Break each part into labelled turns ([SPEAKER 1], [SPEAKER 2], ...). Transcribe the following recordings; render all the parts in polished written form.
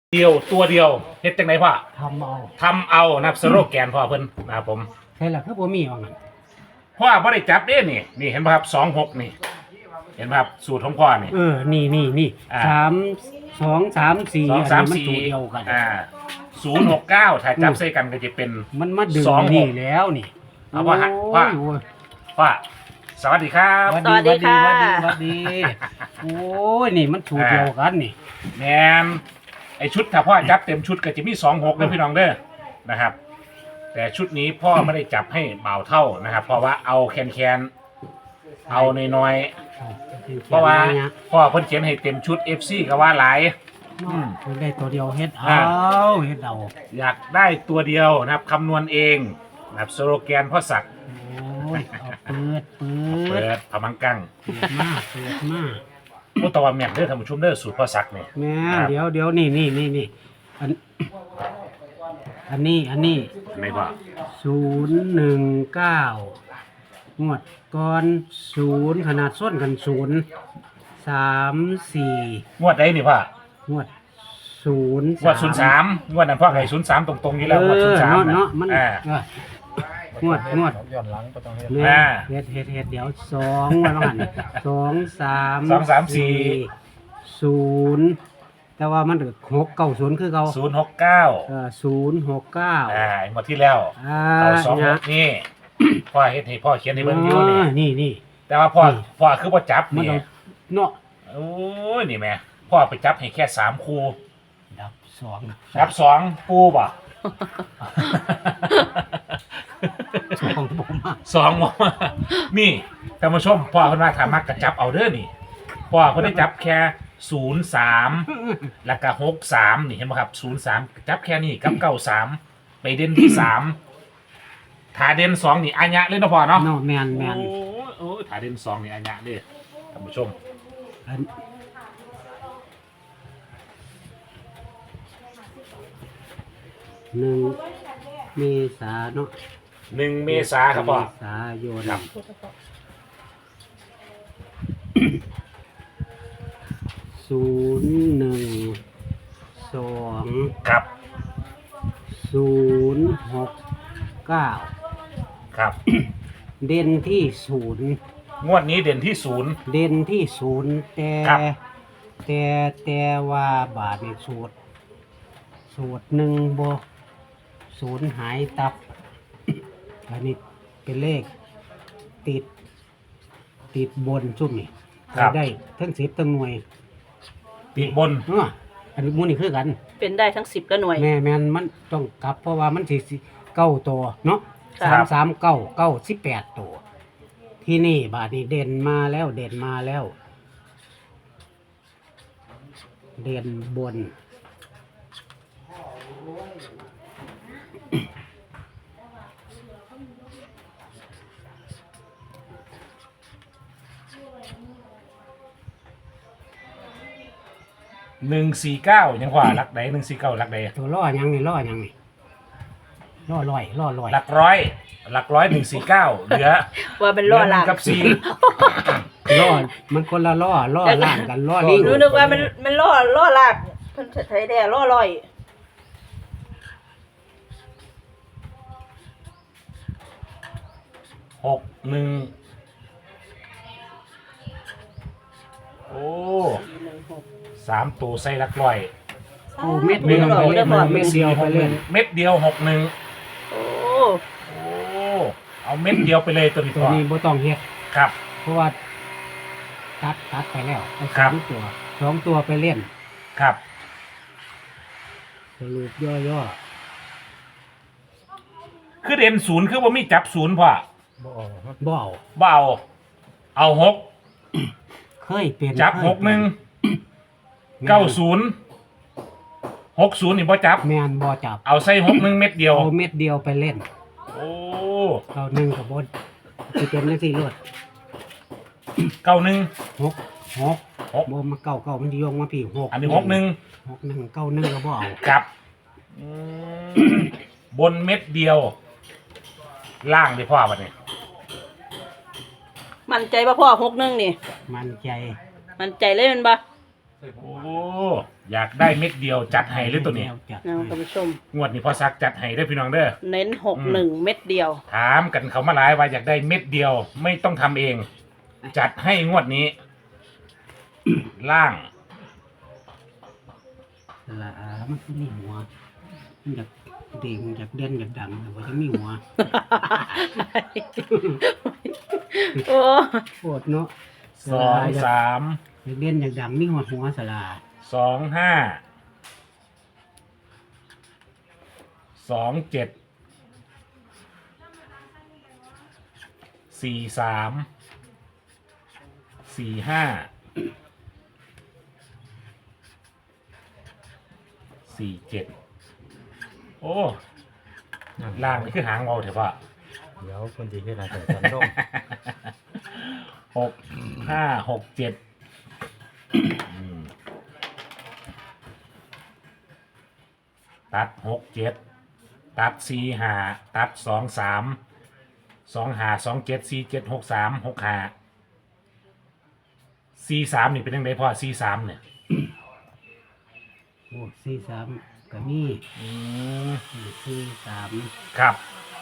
[SPEAKER 1] เดียวตัวเดียวเฮ็ดจังไดพ่อ
[SPEAKER 2] ทำเอา
[SPEAKER 1] นะครับสโลแกนพ่อเพิ่นนะครับผม
[SPEAKER 2] ใช่ละคือบ่มีว่างั้น
[SPEAKER 1] พ่อบ่ได้จับเด้นี่เห็นป่ะครับ26นี่เห็นป่ะครับสูตรของพ่อนี่
[SPEAKER 2] นี่
[SPEAKER 1] อ่า
[SPEAKER 2] 3 2 3 4
[SPEAKER 1] 2 3
[SPEAKER 2] มัน
[SPEAKER 1] 4
[SPEAKER 2] ตัวเดียวกัน
[SPEAKER 1] 069ถ้าจับใส่กันก็จะเป็น
[SPEAKER 2] มันมาดึง
[SPEAKER 1] 26
[SPEAKER 2] นี่แล้วนี่
[SPEAKER 1] เอาพ่อฮะพ่อ
[SPEAKER 2] โอ้ย
[SPEAKER 1] พ่อสวัสดีครับ
[SPEAKER 2] หวัด
[SPEAKER 3] สวัสดีค่ะ
[SPEAKER 2] หวัดดีโอ้ยนี่มันสูตรเดียวกันนี่
[SPEAKER 1] แมนไอชุดถ้าพ่อจับเต็มชุดก็จะมี26เด้อพี่น้องเด้อนะครับ แต่ชุดนี้พ่อไม่ได้จับให้เบาเท่านะครับ เพราะว่าเอาแคนเอาน้อยๆเพราะว่าพ่อเพิ่นเขียนให้เต็มชุด FC ก็ว่าหลาย
[SPEAKER 2] ได้ตัวเดียวเฮ็ดเอา
[SPEAKER 1] อยากได้ตัวเดียวนะครับคำนวณเองนะครับสโลแกนพ่อศักดิ์
[SPEAKER 2] โอ้ยเอาเปิด
[SPEAKER 1] พมังกัง
[SPEAKER 2] เปิดมา
[SPEAKER 1] โอ้ตะวันแม่นเด้อท่านผู้ชมเด้อสูตรพ่อศักดิ์นี่
[SPEAKER 2] แม่เดี๋ยวนี่อันนี้
[SPEAKER 1] ไหนพ่อ
[SPEAKER 2] 019งวดก่อน0ขนาดส้นกัน0 3 4
[SPEAKER 1] งวดใดนี่พ่อง
[SPEAKER 2] วด0
[SPEAKER 1] งวด03งวดนั้นพ่อให้03ตรงๆอยู่แล้วงวด03
[SPEAKER 2] เนาะมันงวด
[SPEAKER 4] ย้อนหลังก็ต้องเฮ็ด
[SPEAKER 2] เฮ็ดเดี๋ยว2ว่าหั่น2 3 0แต่ว่ามัน690คือเก่า
[SPEAKER 1] 069
[SPEAKER 2] 069
[SPEAKER 1] หมดที่แล้วเอา26นี่พ่อเฮ็ดให้พ่อเขียนให้เบิ่งอยู่
[SPEAKER 2] นี่
[SPEAKER 1] แต่ว่าพ่อคือบ่จับนี่
[SPEAKER 2] เนาะ
[SPEAKER 1] โอ้ยนี่แม่พ่อไปจับให้แค่3คู่
[SPEAKER 2] ดับ
[SPEAKER 1] 2ปูบ่2บ่นี่ท่านผู้ชมพ่อเพิ่นว่าถ้ามักก็จับเอาเด้อนี่พ่อเพิ่นได้จับแค่03แล้วก็63นี่เห็นบ่ครับ03จับแค่นี้กับ93ไปเด่นที่3ถ้าเด่น2นี่อัญญะเลยเนาะพ่อเนาะ
[SPEAKER 2] แม่น
[SPEAKER 1] โอ้ถ้าเด่น2นี่อัญญะเด้อท่านผู้ชม
[SPEAKER 2] 1 เมษาเนาะ
[SPEAKER 1] 1 เมษาครับพ่อ
[SPEAKER 2] เมษายน
[SPEAKER 1] ครับ
[SPEAKER 2] 012
[SPEAKER 1] ครับ
[SPEAKER 2] 069
[SPEAKER 1] ครับ
[SPEAKER 2] เด่นที่
[SPEAKER 1] งวดนี้เด่นที่
[SPEAKER 2] 0เด่นที่0แต่ว่าบาทนี่สูตรหนึ่งบ่0หายตับอันนี้เป็นเลขติดบนซุ่มนี่ได้ทั้ง10ทั้งหน่วย
[SPEAKER 1] ติดบน
[SPEAKER 2] อันนี้มูนี่คือกัน
[SPEAKER 3] เป็นได้ทั้ง10และหน่วย
[SPEAKER 2] แม่นมันต้องกลับเพราะว่ามันสิ9ตัวเนาะ339 18ตัวที่นี่บาดนี้เด่นมาแล้วเด่นบน
[SPEAKER 1] 149ยังว่าหลักใด149หลักใด
[SPEAKER 2] ตัวล่อยังนี่ล่อลอย
[SPEAKER 1] หลักร้อย149เหลือ
[SPEAKER 3] ว่าเป็นล่อล่าง
[SPEAKER 1] กับ
[SPEAKER 2] ล่อมันคนละล่อล่างกันล่อลิง
[SPEAKER 3] นึกว่ามันล่อล่างเพิ่นใช้ได้ล่อลอย
[SPEAKER 1] 61โอ้3ตัวใส่หลักร้อย
[SPEAKER 2] เม็ดเดียวไปเล่นเม็ดเดียว
[SPEAKER 1] 61
[SPEAKER 3] โอ้
[SPEAKER 1] เอาเม็ดเดียวไปเลยตัว
[SPEAKER 2] นี้บ่ต้องเฮ็ด
[SPEAKER 1] ครับ
[SPEAKER 2] เพราะว่าตัดไปแล้วเอา2ตัวไปเล่น
[SPEAKER 1] ครับ
[SPEAKER 2] สรุปย่อ
[SPEAKER 1] คือเด่น0คือบ่มีจับ0พ่อ
[SPEAKER 2] บ่
[SPEAKER 1] เอา6
[SPEAKER 2] เคยเป็น
[SPEAKER 1] จับ61 90 60นี่บ่จับ
[SPEAKER 2] แม่นบ่จับ
[SPEAKER 1] เอาใส่61เม็ดเดียว
[SPEAKER 2] เอาเม็ดเดียวไปเล่น
[SPEAKER 1] โอ้
[SPEAKER 2] เอา1ก็บ่สิเป็นจังซี่โลด
[SPEAKER 1] 91
[SPEAKER 2] 6บ่มา9มันสิโยงมาพี่6
[SPEAKER 1] อันนี้61
[SPEAKER 2] 91ก็บ่เอา
[SPEAKER 1] ครับบนเม็ดเดียวล่างดิพ่อบัดนี้
[SPEAKER 3] มั่นใจป่ะพ่อ61นี่
[SPEAKER 2] มั่นใจ
[SPEAKER 3] เลยแม่นบ่
[SPEAKER 1] โอ้อยากได้เม็ดเดียวจัดให้หรือตัวนี้
[SPEAKER 2] จัด
[SPEAKER 3] นะ
[SPEAKER 2] ให้
[SPEAKER 3] ท่านผู้ชม
[SPEAKER 1] งวดนี้พอซักจัดให้ได้อพี่น้องเด้อ
[SPEAKER 3] เน้น61เม็ดเดียว
[SPEAKER 1] ถามกันเขามาหลายว่าอยากได้เม็ดเดียวไม่ต้องทำเอง จัดให้งวดนี้ ล่าง
[SPEAKER 2] ละมันคือมีหัวมันอยากเด่งอยากเด่นอยากดังแต่ว่าจะมีหัว
[SPEAKER 3] โอ้
[SPEAKER 2] โคตรเนาะ
[SPEAKER 1] สองสาม
[SPEAKER 2] อยากเด่นอยากดังมีหัวสลา
[SPEAKER 1] สองห้าสองเจ็ดสี่สามสี่ห้าสี่เจ็ดโอ้ล่างนี่คือหางเงาเถอะพ่อ
[SPEAKER 4] เดี๋ยวคนดีที่ไหนแต่สันโดง
[SPEAKER 1] หกห้าหกเจ็ดตัดหกเจ็ดตัดสี่ห้าตัดสองสามสองห้าสองเจ็ดสี่เจ็ดหกสามหกห้าสี่สามนี่เป็นยังไงพ่อสี่สามเนี่ย
[SPEAKER 2] โอ้43ก็มี43
[SPEAKER 1] ครับ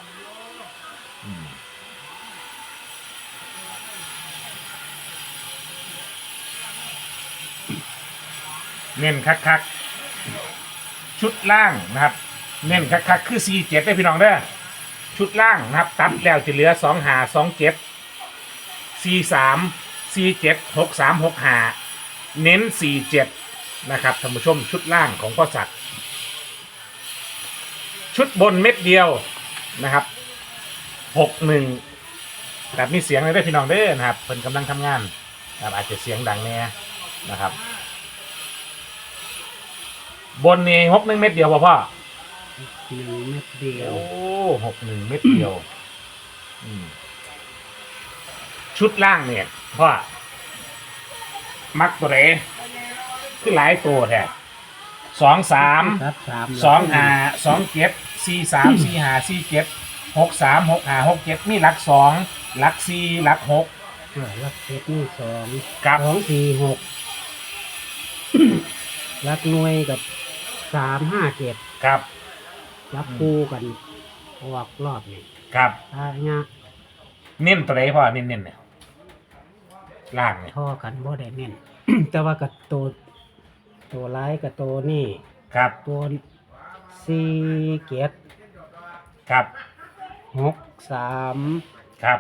[SPEAKER 1] เน้นคักๆชุดล่างนะครับ เน้นคักๆคือ4 7ได้พี่น้องเด้อชุดล่างนะครับตัดแล้วจะเหลือ2 5 2 7 4 3 4 7 6 3 6 5เน้น4 7นะครับท่านผู้ชมชุดล่างของพ่อศักดิ์ชุดบนเม็ดเดียวนะครับ61แบบมีเสียงเลยได้อพี่น้องเด้อนะครับเพิ่นกำลังทำงานนะครับอาจจะเสียงดังแน่นะครับบนนี่61เม็ดเดียวพ่อ
[SPEAKER 2] 1เม็ดเดียว
[SPEAKER 1] โอ้61เม็ดเดียวชุดล่างเนี่ยพ่อมักตัวไหนคือหลายตัวแท้2 3
[SPEAKER 2] ครับ
[SPEAKER 1] 2 5 2 7 4 3 4 5 4 7 6 3 6 5 6 7มีหลัก2หลัก4หลัก6
[SPEAKER 2] ลักเจ็ดนี่2
[SPEAKER 1] กับ
[SPEAKER 2] 2 4 6ลักหน่วยกับ3 5 7
[SPEAKER 1] ครับ
[SPEAKER 2] จับคู่กันออกรอบนี่
[SPEAKER 1] ครับ
[SPEAKER 2] ถ้าเนี้ย
[SPEAKER 1] เน้นตัวไหนพ่อเน้นเนี่ยล่างเนี่ย
[SPEAKER 2] ท่อกันบ่ได้เน้น แต่ว่ากับตัวร้ายกับตัวนี่
[SPEAKER 1] ครับ
[SPEAKER 2] ตัว4เกียร
[SPEAKER 1] ครับ
[SPEAKER 2] 6 3
[SPEAKER 1] ครับ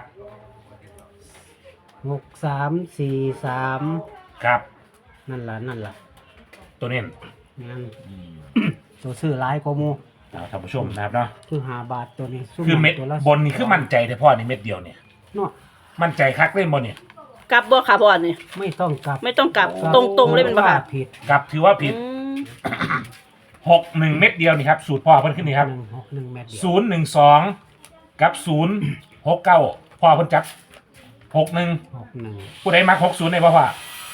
[SPEAKER 2] 6 3 4 3
[SPEAKER 1] ครับ
[SPEAKER 2] นั่นล่ะ
[SPEAKER 1] ตัวเน้น
[SPEAKER 2] งั้น ตัวซื้อหลายกว่าหมู่
[SPEAKER 1] เอาท่านผู้ชมนะครับเนาะ
[SPEAKER 2] คือ5 บาทตัวนี้ซุ่
[SPEAKER 1] คือเม็ด
[SPEAKER 2] ตัวละ
[SPEAKER 1] บนนี่คือมั่นใจแต่พ่อนี่เม็ดเดียวเนี่ย
[SPEAKER 2] เนาะ
[SPEAKER 1] มั่นใจคักเล่นบนเนี่ย
[SPEAKER 3] กลับบ่ค่ะพ่อนี่
[SPEAKER 2] ไม่ต้องกลับ
[SPEAKER 3] ไม่ต้องกลับตรงๆเลยเป็นบ่ค่ะ
[SPEAKER 2] ผิด
[SPEAKER 1] กับถือว่าผิด
[SPEAKER 3] อืม
[SPEAKER 1] 61เม็ดเดียวนี่ครับสูตรพ่อเพิ่นขึ้นนี่ครับ
[SPEAKER 2] 1 เม็ดเดียว
[SPEAKER 1] 012กับ069พ่อเพิ่นจับ61
[SPEAKER 2] 61
[SPEAKER 1] ผู้ใดมัก60ได้บ่พ่อ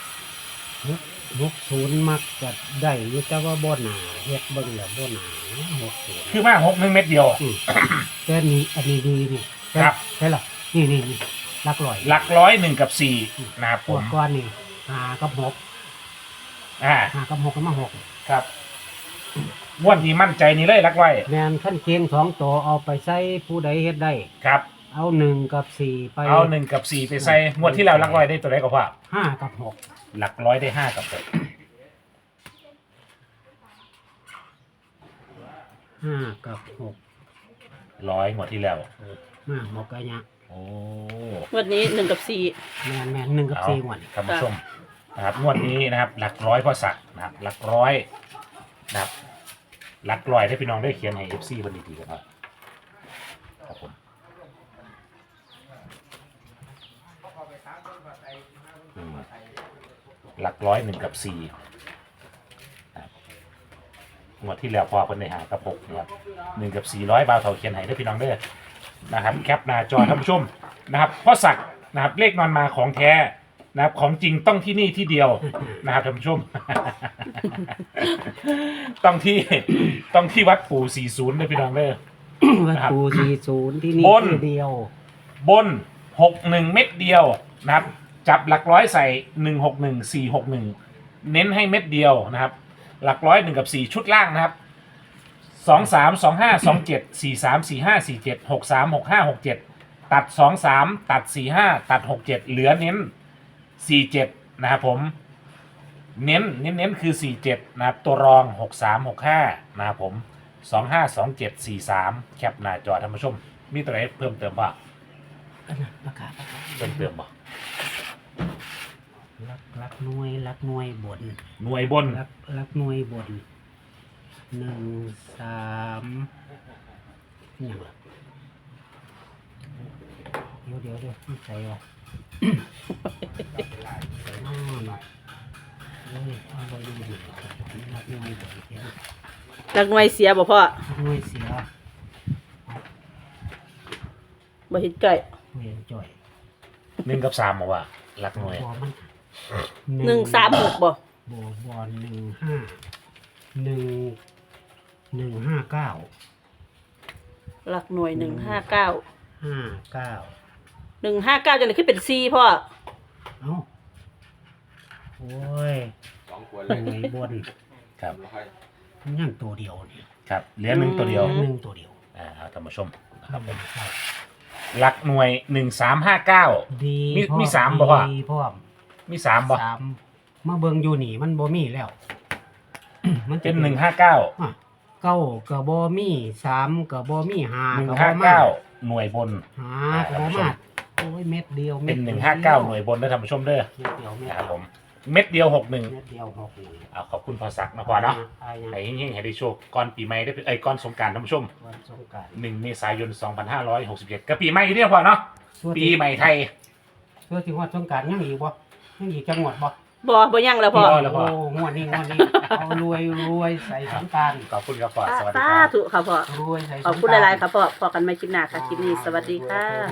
[SPEAKER 2] 60มักจะได้อยู่แต่ว่าบ่หนาเฮ็ดเบิ่งแล้วบ่หนา60
[SPEAKER 1] คือมา61เม็ดเดียว
[SPEAKER 2] แต่นี่อันนี้ดีนี่
[SPEAKER 1] ครับ
[SPEAKER 2] ใช่หรอนี่หลักร้อย
[SPEAKER 1] หลักร้อย1กับ4นะครับ
[SPEAKER 2] พ
[SPEAKER 1] ผ
[SPEAKER 2] ว
[SPEAKER 1] ม
[SPEAKER 2] กก้อนนี่5กับ6 5กับ6ก็มา6
[SPEAKER 1] ครับงวดนี้มั่นใจนี่เลยหลักร้อย
[SPEAKER 2] แม่นขั้นเคียง2ตัวเอาไปใส่ผู้ใดเฮ็ดได้
[SPEAKER 1] ครับ
[SPEAKER 2] เอา1กับ4ไป
[SPEAKER 1] เอา1กับ4ไปใส่งวดที่แล้วหลักร้อยได้ตัวไหนก็พ่อ
[SPEAKER 2] 5กับ6
[SPEAKER 1] หลักร้อยได้5กับ6
[SPEAKER 2] 5กับ6
[SPEAKER 1] ร้อยงวดที่แล้ว
[SPEAKER 2] มาหมกกะยะ
[SPEAKER 1] โอ้
[SPEAKER 3] วันนี้1กับ4
[SPEAKER 2] แม่น1กับ
[SPEAKER 1] เอา
[SPEAKER 2] 4งวด
[SPEAKER 1] ท่านผู้ชมนะครับงวดนี้นะครับ หลักร้อยพ่อศักดิ์นะครับหลักร้อยนะครับหลักร้อยได้พี่น้องได้เขียนให้ FC บันดีๆกันครับครับผมหลักร้อย1กับ4นะครับงวดที่แล้วพอเป็นในหากับ6นะครับ1กับ400บาทเท่าเขียนให้ได้พี่น้องเด้อนะครับแคปหน้าจอท่านผู้ชมนะครับพ่อศักดิ์นะครับเลขนอนมาของแท้นะครับของจริงต้องที่นี่ที่เดียวนะครับท่านผู้ชม ต้องที่วัดปู่40ด้วยพี่น้องเด้อ
[SPEAKER 2] วัตถุ40ที่นี่
[SPEAKER 1] บน
[SPEAKER 2] ที่เดียว
[SPEAKER 1] บน61เม็ดเดียวนะครับจับหลักร้อยใส่161 461 เน้นให้เม็ดเดียวนะครับ หลักร้อย1 กับ 4 ชุดล่างนะครับ 2 3 2 5 2 7 4 3 4 5 4 7 6 3 6 5 6 7ตัด2 3ตัด4 5ตัด6 7เหลือเน้น4 7นะครับผมเน้นคือ 4 7นะครับตัวรอง6 3 6 5นะครับผม2 5 2 7 4 3แคปหน้าจอท่านผู้ชมมีตัวไหนเพิ่มเติมป่ะ
[SPEAKER 2] อันนั้นประกาศ
[SPEAKER 1] เพิ่มเติมป่ะ
[SPEAKER 2] รักหน่วยบน
[SPEAKER 1] หน่วยบน
[SPEAKER 2] รักหน่วยบน1 3อย่างละเดี๋ยวไม่ใส่วะอ๋อเนาะเฮ้ยเอาไปดูดิรักหน่วยบนเขียน
[SPEAKER 3] รักหน่วยเสียบ่พ่อ
[SPEAKER 2] รักหน่วยเสีย
[SPEAKER 3] บ่เห็นไก่
[SPEAKER 2] เวียนจ่อย
[SPEAKER 1] 1 กับ 3บอกว่าหลักหน่วย
[SPEAKER 2] บอมัน
[SPEAKER 3] 136บ่
[SPEAKER 2] บอล159
[SPEAKER 3] รักหน่วย159
[SPEAKER 2] 59
[SPEAKER 3] 159จังได๋คือเป็น4พ่อ
[SPEAKER 2] เอ้าโอ้ยหน่วยบน
[SPEAKER 1] ครับ
[SPEAKER 2] มันยังตัวเดียวนี่
[SPEAKER 1] ครับเหลือ1ตัวเดียว
[SPEAKER 2] หนึ่งตัวเดียว
[SPEAKER 1] เอาท่านผู้ชมนะค
[SPEAKER 2] ครั
[SPEAKER 1] รั
[SPEAKER 2] บบ ผมครับ
[SPEAKER 1] หลักหน่วย1359
[SPEAKER 2] ดี
[SPEAKER 1] มี
[SPEAKER 2] พร้อ
[SPEAKER 1] มีสามบ่วะ
[SPEAKER 2] ดีพร้อม
[SPEAKER 1] มี3บ่
[SPEAKER 2] สามมาเบิ่งอยู่นี่มันบ่มีแล้ว มันจะ
[SPEAKER 1] เป็น159
[SPEAKER 2] อ่ะเก้าก็บ่มี3ก็บ่มี5ก็บ่มา
[SPEAKER 1] 159หน่วยบน
[SPEAKER 2] 5ก็บ่มาโอ้ยเม็ดเดียว
[SPEAKER 1] เป็น
[SPEAKER 2] ดียว
[SPEAKER 1] 159หน่วยบนนะท่านผู้ชมเด้อ
[SPEAKER 2] เม็ดเดียวเม็ด
[SPEAKER 1] นะครับ
[SPEAKER 2] เดียว
[SPEAKER 1] ผมเม็ดเดียว
[SPEAKER 2] เม็ดเดียว6นี่
[SPEAKER 1] 61เอาขอบคุณพอสักนะพอเนาะ
[SPEAKER 2] อายยัง
[SPEAKER 1] ให้เฮงๆให้ได้โชคก่อนปีใหม่ได้ก่อนสงกรานต์ท่านผู้ชม
[SPEAKER 2] วันสงกรานต์
[SPEAKER 1] 1 เมษายน 2567ก็ปีใหม่เรียกพอเนาะปีใหม่ไทย
[SPEAKER 2] ตัวที่ฮอดสงกรานต์ยังอีกบ่ยังอีกจังหวัดบ่
[SPEAKER 3] บ่ยังแล้วพ่อ
[SPEAKER 1] บ่แล้ว พ่อ
[SPEAKER 2] โอ้งวดนี้เอารวยใส่สงกรานต์
[SPEAKER 1] ขอบคุณครับพอสวัสดี
[SPEAKER 3] สา
[SPEAKER 1] ครับ
[SPEAKER 3] ธุค่ะพ่อ
[SPEAKER 2] รวยใส่สงก
[SPEAKER 3] ข
[SPEAKER 2] รานต์
[SPEAKER 3] อบคุณหลายๆค่ะพ่อพอกันใหม่คลิปหน้าค่ะคลิปนี้สวัสดีค่ะ